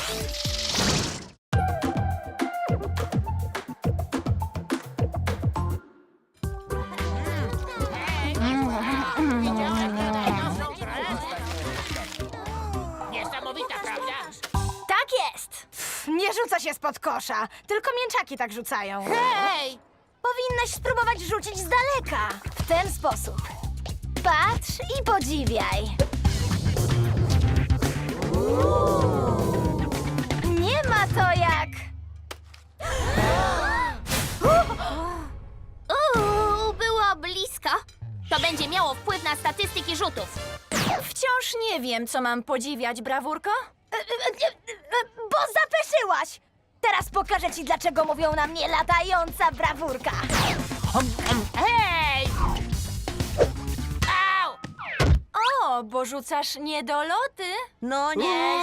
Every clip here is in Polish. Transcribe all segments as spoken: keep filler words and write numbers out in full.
Niesamowita, prawda? Tak jest! Nie rzuca się spod kosza, tylko mięczaki tak rzucają. Hej! Powinnaś spróbować rzucić z daleka. W ten sposób. Patrz i podziwiaj. Nie ma to jak... Uuu, było blisko. To będzie miało wpływ na statystyki rzutów. Wciąż nie wiem, co mam podziwiać, brawurko. E, e, e, e, Bo zapeszyłaś! Teraz pokażę ci, dlaczego mówią na mnie latająca brawurka. Hej! Au! O, bo rzucasz niedoloty. No nie.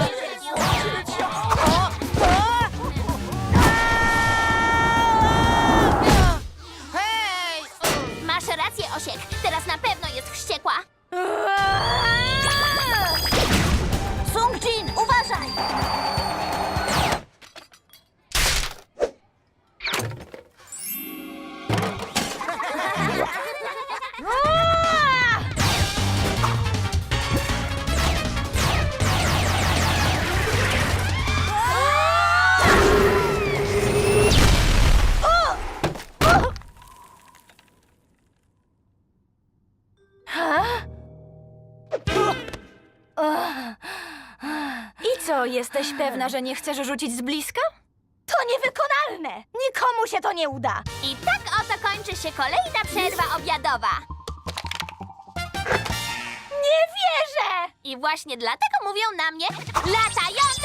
Hej! Masz rację, Osiek. Teraz na pewno jest wściekła. Sung-Jin, uważaj! I co, jesteś pewna, że nie chcesz rzucić z bliska? To niewykonalne! Nikomu się to nie uda! I tak oto kończy się kolejna przerwa obiadowa. Nie wierzę! I właśnie dlatego mówią na mnie latająca